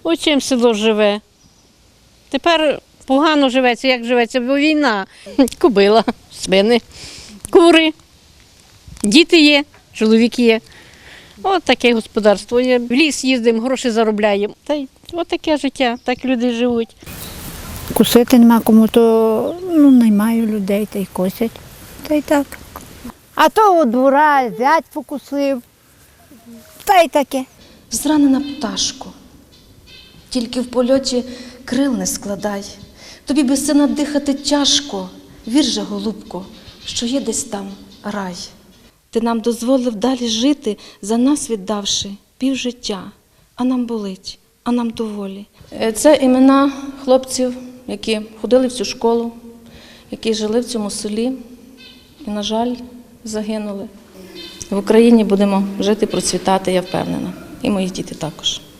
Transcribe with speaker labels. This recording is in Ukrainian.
Speaker 1: Ось чим село живе. Тепер погано живеться, як живеться, бо війна. Кобила, свини, кури, діти є, чоловік є. Ось таке господарство є. В ліс їздимо, гроші заробляємо. Та й ось таке життя, так люди живуть.
Speaker 2: Косити нема кому, то наймаю людей та й косять. Та й так. А то у двора зять покусив. Та й таке.
Speaker 3: Зранена пташко, тільки в польоті крил не складай. Тобі без сина дихати тяжко, вір же, голубко, що є десь там рай. Ти нам дозволив далі жити, за нас віддавши півжиття, а нам болить, а нам доволі. Це імена хлопців, які ходили в цю школу, які жили в цьому селі і, на жаль, загинули. В Україні будемо жити, процвітати, я впевнена. І мої діти також.